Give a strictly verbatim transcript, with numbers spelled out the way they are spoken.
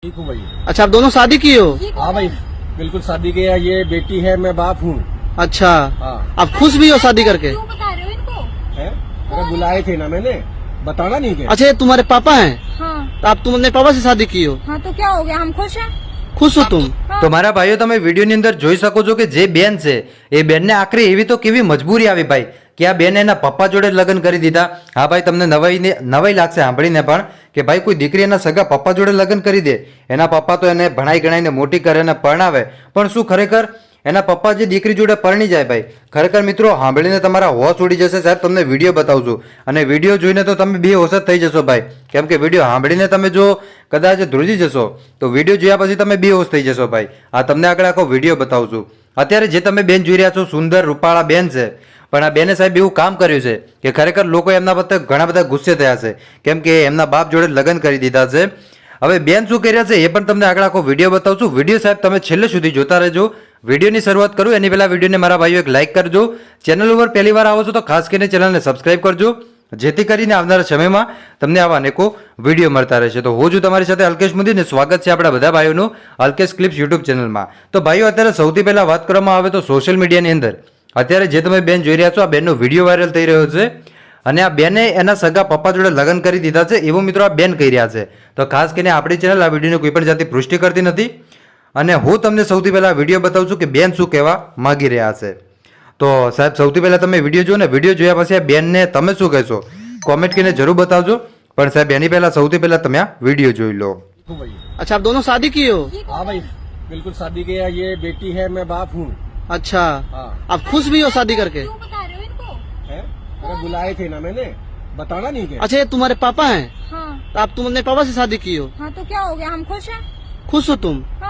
ठीक हूँ भाई। अच्छा, आप दोनों शादी किए हो? हाँ भाई, बिल्कुल शादी किया। ये बेटी है, मैं बाप हूँ। अच्छा, हाँ। आप खुश भी हो शादी करके? क्यों बता रहे हो इनको? है? अरे बुलाए थे ना मैंने, बताना नहीं क्या? अच्छा, ये तुम्हारे पापा हैं? हाँ तो आप तुम अपने पापा से शादी की हो? हाँ तो क्या हो गया, हम खुश हैं। खुश हो तुम? हाँ। તો મારા ભાઈઓ તમે વિડીયોની અંદર જોઈ શકો છો કે જે બેન છે એ બેનને આખરે એવી તો કેવી મજબૂરી આવી ભાઈ કે આ બેને એના પપ્પા જોડે લગ્ન કરી દીધા। હા ભાઈ, તમને નવાઈ નવાઈ લાગશે સાંભળીને પણ કે ભાઈ કોઈ દીકરી એના સગા પપ્પા જોડે લગ્ન કરી દે। એના પપ્પા તો એને ભણાઈ ગણાઈને મોટી કરે અને પરણાવે, પણ શું ખરેખર એના પપ્પા જે દીકરી જોડે પરણી જાય ભાઈ? ખરેખર મિત્રો સાંભળીને તમારા હોશ ઉડી જશે। સાહેબ તમને વિડીયો બતાવું છું અને વિડીયો જોઈને તો તમે બે હોશ જ થઈ જશો ભાઈ, કેમ કે વિડીયો સાંભળીને તમે જો કદાચ ધ્રુજી જશો તો વિડીયો જોયા પછી તમે બે હોશ થઈ જશો ભાઈ। આ તમને આગળ આખો વિડીયો બતાવું છું। અત્યારે જે તમે બેન જોઈ રહ્યા છો સુંદર રૂપાળા બેન છે, પણ આ બેને સાહેબ એવું કામ કર્યું છે કે ખરેખર લોકો એમના પર ઘણા બધા ગુસ્સે થયા છે, કેમ કે એમના બાપ જોડે લગ્ન કરી દીધા છે। હવે બેન શું કર્યા છે એ પણ તમને આગળ આખો વિડીયો બતાવું છું। વિડીયો સાહેબ તમે છેલ્લે સુધી જોતા રહેજો। વિડીયોની શરૂઆત કરું એની પહેલા વિડીયોને મારા ભાઈઓ એક લાઇક કરજો। ચેનલ ઉપર પહેલી વાર આવો છો તો ખાસ કરીને ચેનલને સબસ્ક્રાઇબ કરજો, જેથી કરીને આવનારા સમયમાં તમને આવા અનેકો વિડીયો મળતા રહેશે। તો હું છું તમારી સાથે અલ્કેશ મોદી ને સ્વાગત છે આપણા બધા ભાઈઓનું અલ્કેશ ક્લિપ્સ યુટ્યુબ ચેનલમાં। તો ભાઈઓ અત્યારે સૌથી પહેલા વાત કરવામાં આવે તો સોશિયલ મીડિયાની અંદર અત્યારે જે તમે બેન જોઈ રહ્યા છો આ બેનનો વિડીયો વાયરલ થઈ રહ્યો છે અને આ બેને એના સગા પપ્પા જોડે લગ્ન કરી દીધા છે એવું મિત્રો આ બેન કહી રહ્યા છે। તો ખાસ કરીને આપણી ચેનલ આ વિડીયોની કોઈ પણ જાતની પુષ્ટિ કરતી નથી અને હું તમને સૌથી પહેલા વિડીયો બતાવું છું કે બેન શું કહેવા માંગી રહ્યા છે। તો સાહેબ સૌથી પહેલા તમે વિડીયો જુઓ ને વિડીયો જોયા પછી આ બેનને તમે શું કહેશો કોમેન્ટ કરીને જરૂર બતાવજો। પણ સાહેબ એની પહેલા સૌથી પહેલા તમે આ વિડીયો જોઈ લો। ठीक हूँ भाई। अच्छा, आप दोनों शादी किए हो? हाँ भाई, बिल्कुल शादी किया। ये बेटी है, मैं बाप हूँ। अच्छा, हाँ। आप खुश भी हो शादी करके? क्यों बता रहे हो इनको? है? अरे बुलाए थे ना मैंने, बताना नहीं क्या? अच्छा, ये तुम्हारे पापा हैं? हाँ तो आप तुम अपने पापा से शादी की हो? हाँ तो क्या हो गया, हम खुश हैं। खुश हो तुम?